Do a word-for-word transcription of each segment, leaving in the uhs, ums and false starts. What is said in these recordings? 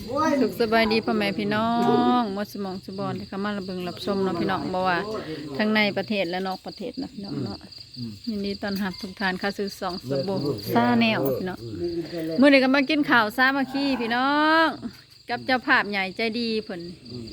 สุขสบายดีพ่อแม่พี่น้องมดสมองสบอนที่เข้ามาระเบิงรับชมเนาะพี่น้องบอกว่าทั้งในประเทศและนอกประเทศนะพี่น้องเนาะยินดีต้อนรับทุกท่านเข้าสู่สองสบู่ซาแนวพี่น้องเมื่อนี้ก็มากินข้าวซามาขี้พี่น้องกับเจ้าภาพใหญ่ใจดีเพิ่น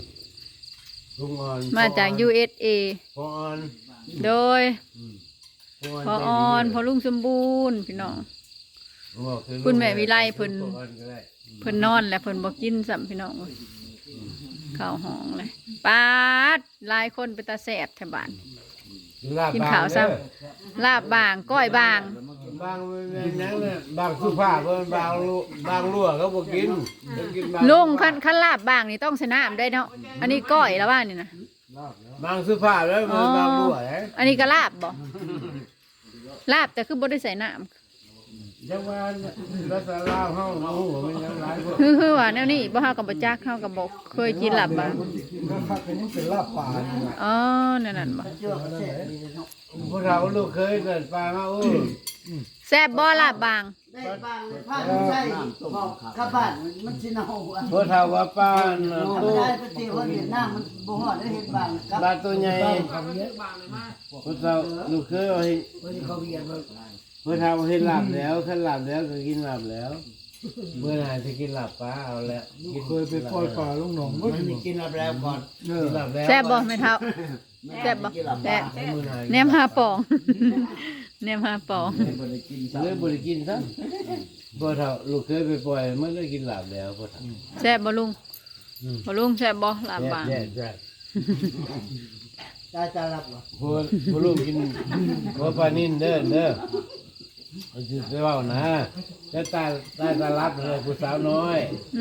มาจาก ยู เอส เอพออนโดยพอออนพอลุงสมบูรณ์พี่น้องคุณแม่วิไลเพิ่นเพิ่นนอนแล้วเพิ่นบ่กินซ้ำพี่น้องข้าวหองเลยปาดหลายคนไปตาแสบแถวบ้านกินข้าวซ้ำลาบบางก้อยบางบางนั่นเนี่ยบางสุภาพบางบางรั่วเขาบ่กินลุงขั้นขั้นลาบบางนี่ต้องชนะได้เนาะอันนี้ก้อยแล้วว่านี่นะบางสุภาพแล้วบางรั่วอันนี้ก็ลาบบ่ลาบแต่คือบ่ได้ใส่น้ำจังหวะรัศลาวเฮาโอ้โหมันยังหลายคนคือคือว่าแนวนี้บ่เฮากับบ่จักเฮากับบ่เคยกินลาบบางก็คักเป็นนี่เป็นลาบป่านี่นะอ๋อนั่นนั่นบ่พวกเราลูกเคยเกิดปลามาโอ้แซ่บบ่ลาบบางได้บางเลยผ้าใส่หอกกระบาดมันสิเนาอ่ะพวกเราว่าปลาตู้ได้ไปเที่ยวเวียดนามมันบ่ฮอดได้เฮ็ดบางปลาตัวใหญ่พวกเราลูกเคยเอาให้เขาเวียนเมื่อทำให้หลับแล้วขั้นหลับแล้วก็กินหลับแล้วเมื่อไหร่จะกินหลับป้าเอาแล้วเคยไปปล่อยปลาลงหนองมันกินหลับแล้วก่อนกินหลับแล้วแซ่บบ่แม่เฒ่าแซ่บบ่แซ่บแหนมหาปองแหนมหาปองเลยบริกินซะพอเฒ่าลูกเคยไปปล่อยเมื่อได้กินหลับแล้วพอเฒ่าแซ่บบ่ลุงบ่ลุงแซ่บบ่ลาบบางแซ่บแซ่บตาจะหลับบ่พอพอลูกกินพอปลานิ่นเด้อเด้อจะจะว่านะจะตายตายตาลับเลยผู้สาวน้อย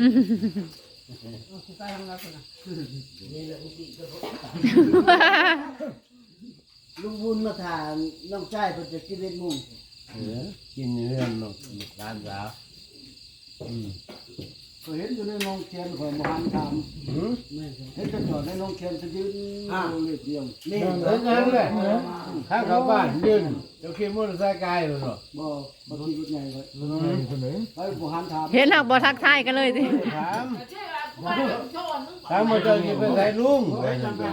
ลุงบุญมาถามน้องชายเพิ่นจะกินเล็ดมุงเออกินเรื่องนกร้านสาวอืมก็เห็นอยู่ในโรงเรียนของมหันทามเห็นจะจอดในโรงเรียนจะยืนเรียบเรียงนี่เออนั่นแหละถ้าเขาบ้านยืนจะขี่มอเตอร์ไซค์ไกลเลยหรอบ่บ่ขี่รถใหญ่ไว้รถใหญ่คนไหนไปมหันทามเห็นหักบ่ทักทายกันเลยสิถามถามมาเจอกี่เป็นไงลุงมึงไปหับ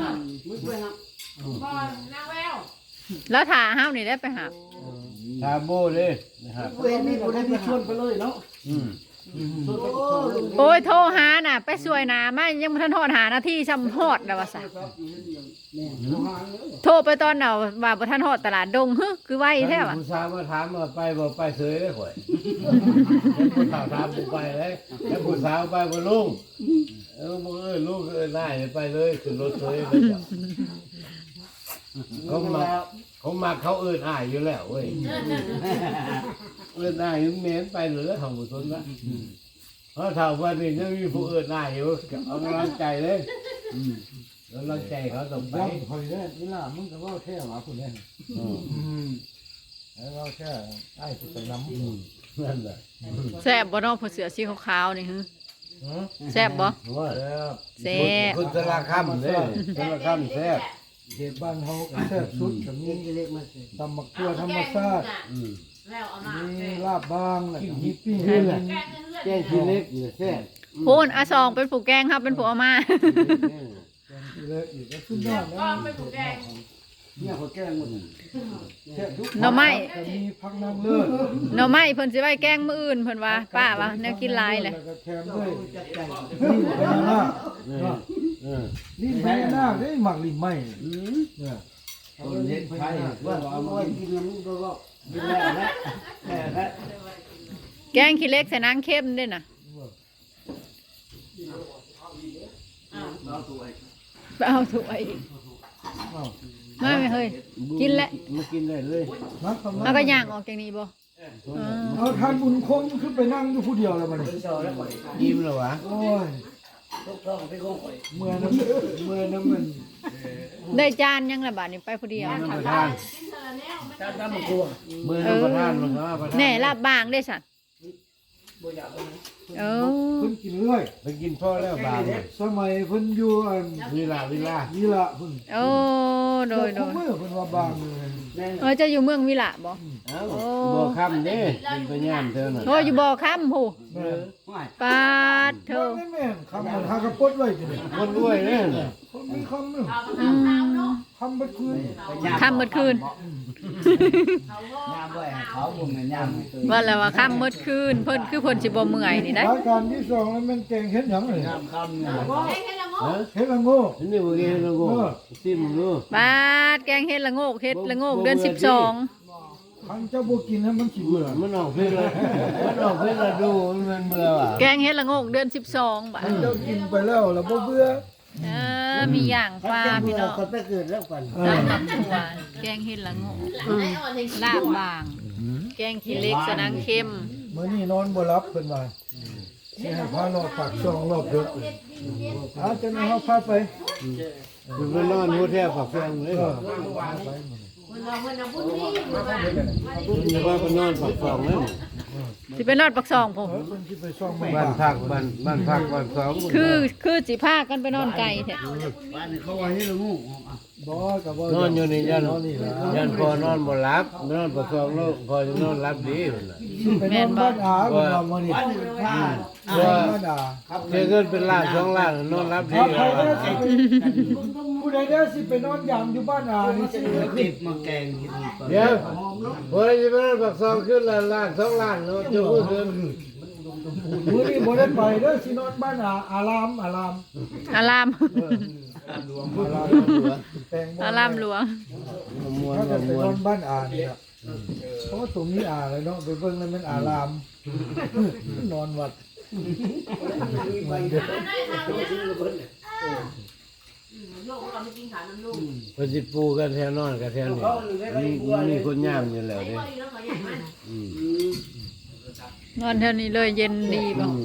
แล้วถ่าห้าวนี่ได้ไปหาถามโบเลยนะครับเวรนี่บ่ได้ไปชวนไปเลยเนาะอืมโอ้ยโทรหาน่ะไปสวยหนามายังบ่ทันฮอดหานาทีซ้ำฮอดแล้วว่าซะโทรไปตอนน่ะว่าบ่ทันฮอดตลาดดงฮึคือไวแท้ว่ะผู้สาวมาถามว่าไปบ่ไปเสยได้ข่อยผู้สาวถามบ่ไปเลยแล้วผู้สาวไปบ่ลุงเออบ่เอ้ยลูกเอ้ยได้ไปเลยขึ้นรถเสยไปจ้ะเขามาเขามาเขาเอิ้นอ้ายอยู่แล้วเว้ยเอิ้นอ้ายเหม็นไปเหลือของบ่สนละเพราะถ้าวันนี้ยังมีผู้เอิ้นอ้ายอยู่เอากำลังใจเลยอืมกำลังใจเขาต้องไปคอยได้เวลามึงก็ว่าแค่หว่าคนนี้อืมแล้วเราแค่ไอ้ที่ไปน้ำนั่นแหละแซ่บบ่เนาะผู้เสือสีขาวๆนี่ฮึแซ่บบ่แซ่บคุณสารคามเด้สารคามแซ่บเขตบ้านเฮาแซ่บสุดกับนี้ตำมักตัวธรรมชาติมีลาบบางแล้วก็มีปิ้งนี่แหละแกงขี้เล็กนี่แซ่บพูนอาซองเป็นผู้แกงครับเป็นผู้เอามาเล็กอีกก็สุดยอดแล้วเนี่ยเขาแกล้งหมดหน่อไม้มีพักนางเลิศหน่อไม้เพิ่นสิไว้แกงมื้ออื่นเพิ่นว่าป้าว่าแนวกินหลายเลยแถมด้วยนี่พญานาคนี่พญานาคได้หมักลิ้นไหมเนี่ยเอาเล่นไพ่ว่าเอาไว้กินแล้วมึงก็ก็กินแล้วนะแกงขี้เล็กใส่นางเข้มด้วยนะไปเอาถ้วยมาไม่เฮ้ยกินแล้วมากินได้เลยเอาก็ย่างออกจากนี้บ่เอาทานบุญคงขึ้นไปนั่งอยู่ผู้เดียวแล้วมันยิ้มแล้ววะโอ้ยเมื่อน้ำเมื่อน้ำมันได้จานยังละบาทนี่ไปผู้เดียวประธานเมื่อน้ำประธานมันก็ประธานแน่ลาบบางได้สัตว์เออเพิ่นกินเรื่อยไปกินพ่อแล้วบางสมัยเพิ่นอยู่อันวิลาวิลาวิลาเพิ่นโอ้โดยโดยเมื่อเพิ่นว่าบางเลยเออเจะอยู่เมืองวิละบ่เอ้าบ่คำเด้เป็นไปย่ามเท่านั้นโอ้อยู่บ่อค้ำผู้แม่ปาดเธอแม่แม่คำมันหากระปดไว้ทีเดียวคนรวยเด้อคนมีคำหนึงอืมคำบัดคืนค่ำเมื่อคืนยามบ่ให้เขาบ่แม่นยามให้ตัวว่าแล้วว่าค่ำเมื่อคืนเพิ่นคือเพิ่นสิบ่เมื่อยนี่ได้รายการที่สองแล้วมันแกงเห็ดหยังเลยยามค่ำเนี่ยฮะเห็ดละโง่อันนี้บ่เกี่ยวกับโง่ซิมดูบาดแกงเฮ็ดละโงกเฮ็ดละโงกเดือนสิบสองคันเจ้าบ่กินให้มันสิเบื่อมันออกเพลงละมันออกเพลงละดูมันเบื่อว่ะแกงเฮ็ดละโงกเดือนสิบสองบาดเจ้ากินไปแล้วแล้วบ่เบื่อเออมีอย่างปลาพี่น้องคนไปเกิดแล้วกันเอตาอมครัวแกงเฮ็ดละโงกลาบบาง แกงขี้เหล็กสนังเค็มมื้อนี้นอนบ่หลับเพิ่นว่าสิให้พารอบปากช่องรอบดึกอาจจะให้เฮาพาไปมันไปนอนโฮเทลฝักแฟงเลยเออมันว่าไปนอนฝักฟองนั่นสิไปนอดปักซองผมเออเพิ่นสิไปช่องแม่บ้านพักบ้านบ้านพักบ้านสองคือคือสิพากันไปนอนไกลแท้บ้านนี้เขาว่าให้ละงูบ่ก็บ่นอนอยู่ในยันนอนนี่ล่ะยันพอนอนบ่หลับนอนฝักฟองแล้วพอจะนอนหลับดีพุ่นน่ะไปนอนบ้านอาเพิ่นว่ามื้อนี้บ้านนี้ผ้าว่าบ้านอาเจอเงินเป็นล้านสองล้านนอนหลับดีถ้าใครแล้วได้สิไปผู้ใดได้สิไปนอนยามอยู่บ้านอานี่สิติดมาแกงกินเดี๋ยวพอจะไปนอนฝักฟองขึ้นละล้านสองล้านเนาะจะพูดถึงมื้อนี้บ่ได้ไปเด้อสินอนบ้านอาอารามอารามอารามอารามแปลงบ่อารามหลวงมวนถ้าจะไปมวนอนบ้านอานี่ล่ะเพราะว่าตรงนี้อาเลยเนาะไปเบิ่งแล้วมันอารามนอนวัดมันเด้อเพอสิปูกันแถวนอนกันแถวนี้มีมีคนย่ามอยู่แล้วเด้อืมนอนเท่านี้เลยเย็นดีบ่อืม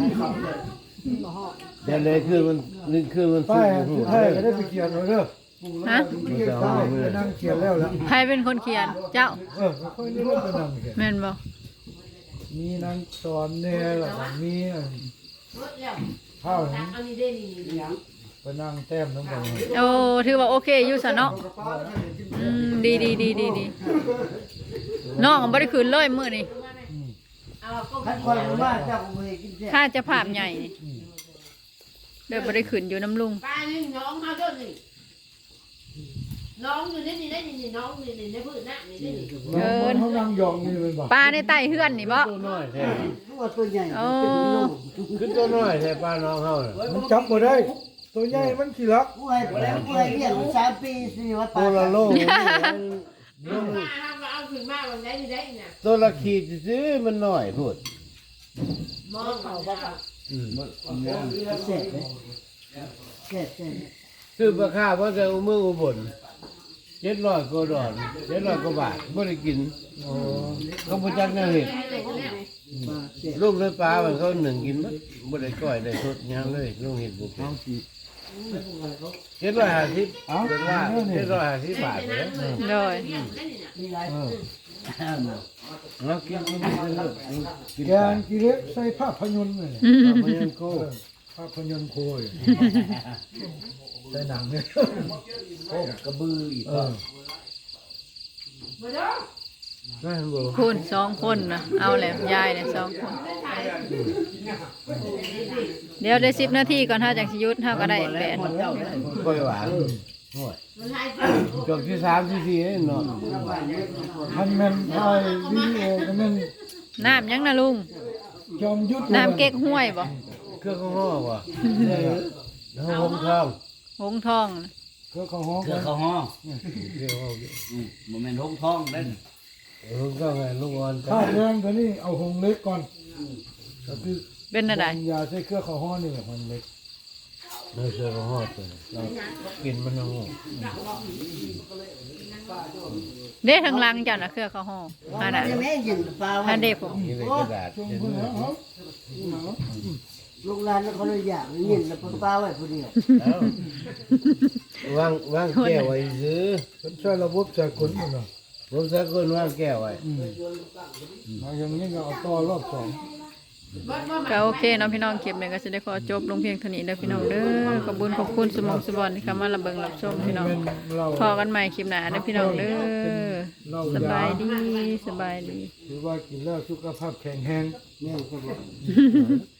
เดี๋ยวเลยคือมันนึกคือมันป้าสุยกสุดท้ายก็ได้ไปเขียนไว้เด้อฮะไปเขียนป้ายไปนั่งเขียนแล้วล่ะใครเป็นคนเขียนเจ้าเออค่อยนี่เริ่มไปนั่งเขียนแม่นบ่มีนางสอนแน่แล้วก็มีข้าวนั้นไปนั่งแต้มน้ำกันโอ้ถือว่าโอเคอยู่ซะเนาะอืมดีดีดีดีดีน้องบ่ได้คืนเลยมื้อนี้คันคนมาเจ้าก็บ่ให้กินแซ่ถ้าจะภาพใหญ่นี่เด้อบ่ได้คืนอยู่น้ำลุงป้านี่น้องเขาเจ้านี่น้องอยู่นี่นี่ได้นี่น้องนี่นี่ในพื้นน่ะนี่ได้นี่เออเขานั่งยองนี่เป็นบ่ปลาในใต้เฮือนนี่บ่ตัวน้อยแท้ตัวตัวใหญ่โอ้คือตัวน้อยแท้ป้าน้องเฮาน่ะมันจับบ่ได้ ตัวใหญ่มันขี้รักผู้ให้แล้วผู้ให้เลี้ยงสามปีสิว่าตัปาวละโลน้องมาเอาเอาขึ้นมาวันไหนนี่ได้นี่ตัวละขีดซื้อมันน้อยพูดมองเขาบ่ค่ะอืมแซ่บเลยแซ่บแซ่บซื้อปลาข้าวเพราะจะเอามืออุบลเจ็ดร้อยกว่าดอนเจ็ดร้อยกว่าบาทบ่ได้กินโอ้เขาบ่จักแนวเฮ็ดปลาแซ่บลูกเลยปลามันเขาหนึ่งกินมั้บ่ได้ก้อยได้สดหยังเลยลุงเฮ็ดบ่เป็นเจ็ดร้อยห้าสิบเป็นว่าเจ็ดร้อยห้าสิบบาทเลยโดยมีหลายเออเนาะกินกินกินเลยกินแกงกิเลสใส่ภาพยนตร์นี่มันยังโคภาพยนตร์โคยใส่หนังเนี่ยโอ้กระบืออีกเออนั่นบ่คุณสองคนนะเอาแล้วยายเนี่ยสองคน เดี๋ยวได้สิบนาทีก่อนถ้าจังสิหยุดเฮาก็ได้แปดก้อยหวานโอ้ยจบที่สามที่สี่เนาะทันแม่นถ่ายวิดีโอก็แม่นน้ำยังนะลุงจอมยุทธน้ำเก๊กห้วยบ่เครื่องข้าวห่อบ่เฮาหงทองหงทองน่ะก็เขาฮ้องเถื่อเขาห้องเดี๋ยวเอาอืมบ่แม่นหงท้องเด้นหงทองไงลูกอ่อนข้าวแรงตัวนี้เอาหงเล็กก่อนก็คือเป็นอะไรยาใส่เครือเขาฮ้อนี่แหละหงเล็กเนื้อเสือข้าวห่อตัวเรากินมันเอาห่อเด้ทางหลังเจ้าน่ะเครือเขาห่ออันน่ะแม่ยินปลาไว้อันเด้ผมนี่เป็นกระดาษช่วงเห็นเพิ่นไหมเอาลูกหลานเขาเลยอยากยินแล้วปลาไว้ผู้เดียวเอ้าวางวางแก้วไว้ซื้อเป็นใช้ระบบสากลมันเนาะผมสักคนวางแก้วไว้อืมมาอย่างนี้ก็เอาต่อรอบสองก็โอเคเนาะพี่น้องคลิปนี้ก็สิได้ขอจบลงเพียงเท่านี้เด้อพี่น้องเด้อขอบคุญขอบคุณสมองสบอนที่เข้ามารับเบิ่งรับชมพี่น้องแม่นเราพอกันใหม่คลิปหน้าเด้อพี่น้องเด้อเหล้าสบายยาดีสบายดีหรือว่ากินแล้วสุขภาพแข็งแรงแม่ก็บอก